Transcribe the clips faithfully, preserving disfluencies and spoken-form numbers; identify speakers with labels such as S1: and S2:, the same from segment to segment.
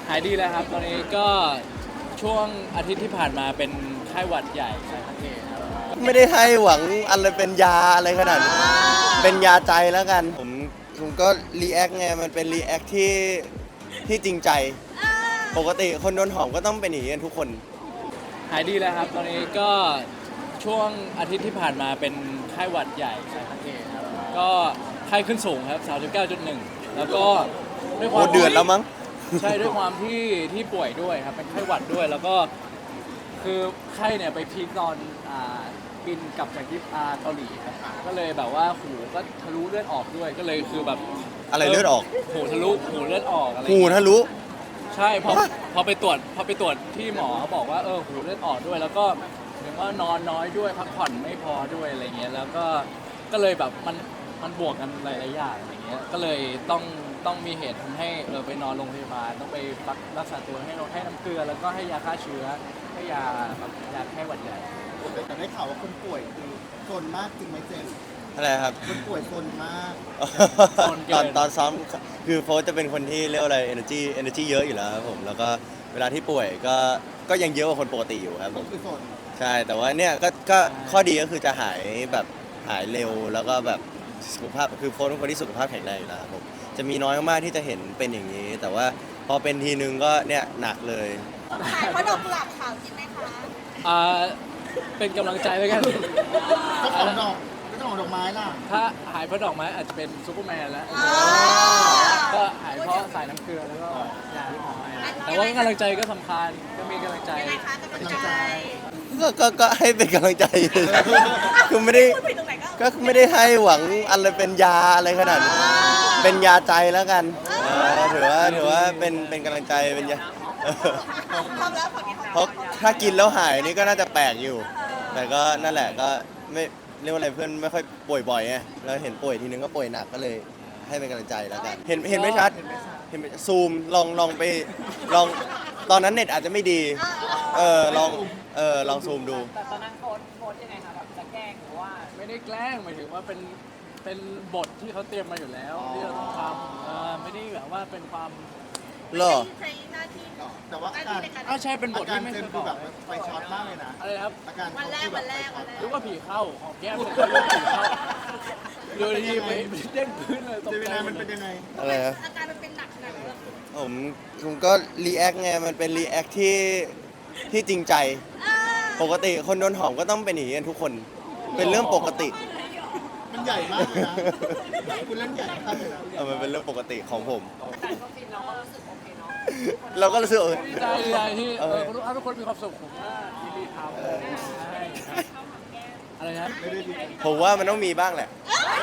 S1: หายดีแล้วครับตอนนี้ก็ช่วงอาทิตย์ที่ผ่านมาเป็นไข้หวัดใหญ่ใช่ครับพี่ครับ
S2: ไม่ได้ให้หวังอะไรเป็นยาอะไรขนาดนั้นเป็นยาใจแล้วกัน ผมผมก็รีแอคไงมันเป็นรีแอคที่ที่จริงใจ ปกติคนโดนหอมก็ต้องเป็นอย่างนี้กันทุกคน
S1: หายดีแล้วครับตอนนี้ก็ช่วงอาทิตย์ที่ผ่านมาเป็นไข้หวัดใหญ่ใช่ครับพี่ครับก็ไข้ขึ้นสูงครับสามสิบเก้าจุดหนึ่งแล้วก็ด้วยค
S2: โอ้
S1: วาม
S2: เดือดแล้วมั้ง
S1: ใช่ด้วยความที่ที่ป่วยด้วยครับเป็นไข้หวัดด้วยแล้วก็คือไข้เนี่ยไปพีคตอนอ่าบินกลับจากญี่ปุ่นอ่าเกาหลีครับก็เลยแบบว่าหูก็ทะลุเลือดออกด้วยก็เลยคือแบบ
S2: อะไรเลือดออก
S1: หูทะลุหูเลือดออกอะไร
S2: หูทะลุ
S1: ใช่พอพอไปตรวจพอไปตรวจที่หมอเขาบอกว่าเออหูเลือดออกด้วย แล้วก็เห็นว่านอนน้อยด้วยพักผ่อนไม่พอด้วยอะไรเงี้ยแล้วก็ก็เลยแบบมันมันบวกกันหลายๆอย่างอะไรเงี้ยก็เลยต้องต้องมีเหตุทำให้เออไปนอนโรงพยาบาลต้องไปรักรักษาตัวให้ให้น้ำเกลือแล้วก็ให้ยาฆ่าเชื้อให้ยาแบบยาแค่หวัดใหญ่
S3: แต่ได้ข่าวว่าคนป่วยคือโซนมากจริงไหมเจมส์
S2: อะไรครับ
S3: คนป่วยโซนมาก
S2: ตอนตอนซ้อมคือโฟสจะเป็นคนที่เรียกว่าอะไร energy energy เยอะอยู่แล้วครับผมแล้วก็เวลาที่ป่วยก็ก็ยังเยอะกว่าคนปกติอยู่ครับผม
S3: คือโซน
S2: ใช่แต่ว่าเนี่ยก็ก็ข้อดีก็คือจะหายแบบหายเร็วแล้วก็แบบสุขภาพคือโฟสเป็นคนที่สุขภาพแข็งแรงอยู่แล้วครับผมจะมีน้อยมากๆที่จะเห็นเป็นอย่างนี้ แต่ว่าพอเป็นทีนึงก็เนี่ยหนักเลย
S4: ขายเพราะดอกกุหลาบขาวจริงไหมคะ
S1: อ่าเป็นกำลังใจแล้วกัน
S3: เจ้าของดอกเจ้าของดอกไม้ล่ะ
S1: ถ้าหายเพราะดอกไม้อาจจะเป็นซูเปอร์แมนแล้ว ก็หายเพราะสายน้ำเกลือแล้วก็ยาที่หมอให้แต่ว่ากำลังใจก็สำคัญก็มีกำลังใจ
S4: ยังไงคะกำลังใจ
S2: ก็ก็ก็ให้เป็นกำลังใจ คือไม่ได้
S4: พูดผิดตรงไหนก็
S2: ก็ไม่ได้ให้หวังอะไรเป็นยาอะไรขนาดนั้นเป็นยาใจแล้วกันเออถือว่าถือว่าเป็นเป็นกำลังใจเป็นยา เออ
S4: พร้อมแล้วขอกิน
S2: เพราะถ้ากินแล้วหายนี่ก็น่าจะแปลกอยู่ แต่ก็นั่นแหละก็ไม่เรียกว่าอะไรเพื่อนไม่ค่อยป่วยบ่อยไงแล้วเห็นป่วยทีนึงก็ป่วยหนักก็เลยให้เป็นกำลังใจแล้วกัน เห็นเห็นไม่ชัดเห็นไม่ซูมลองลองไปลองตอนนั้นเน็ตอาจจะไม่ดี เออลองเออลองซูมดู
S5: แต่ตอนนั้นโพสต์โพสต์ยังไงคะแบบจะแกล้งหรือว่า
S1: ไม่ได้แกล้งหมายถึงว่าเป็นเป็นบทที่เขาเตรียมมาอยู่แล้วที่เราต้องทำเออไม่ได้แบบว่าเป็นความ
S2: เหรอ
S4: ใช้หน้าที่
S3: แต่ว่าอาการ
S1: อ้าวใช่เป็นบ
S3: อา
S1: ท
S3: การ
S1: ที่ไม่
S3: เจ
S1: เค
S3: ม
S1: ย
S3: ส์
S1: บ
S3: คือ
S1: อก
S3: แบบไฟช็อตมากเลยนะ
S1: อะไรนะครับ
S3: อาการ
S4: วันแรกวันแรกวันแรก
S1: หรือว่าผีเข้าหอมแก้มเสร็จแล้วผีเข้าดูดีไปเด้งพื้นเลยตก
S3: เจมิ
S1: ใจ
S3: นายมันเป็นยังไง
S2: อะไรครับ
S4: อาการมันเป็นหนักขนาดไหน
S2: ผมผมก็รีแอคไงมันเป็นรีแอคที่ที่จริงใจ ปกติคนโดนหอมก็ต้องเป็นอย่างนี้กันทุกคน เป็นเรื่องปกติ
S3: มันใหญ่มากเลยนะคุณเล่นใหญ่มากเลยนะ
S2: เออมันเป็นเรื่องปกติของผม
S5: แต่ก็ฟินเราก็รู้สึกโอเคเนาะ
S2: เราก็รู้สึกเออ
S1: ดีใจดีใจที่เอ
S2: เอ
S1: อ
S2: อ
S1: ทุกทุกคนมีความสุขผมว่ายินดีทำใช่อะไรนะ
S3: ไม่ได้ดี
S2: ผมว่ามันต้องมีบ้างแหละ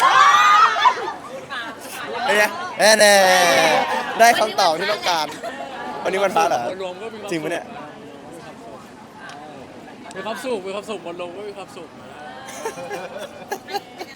S2: เป็นไงแน่แน่ได้คำตอบที่ต้องการ วันนี้วันพระเหรอ
S1: รวมก็มีความ
S2: จริงปะเนี่ย
S1: มีความสุขมีความสุขบนลงก็มีความสุข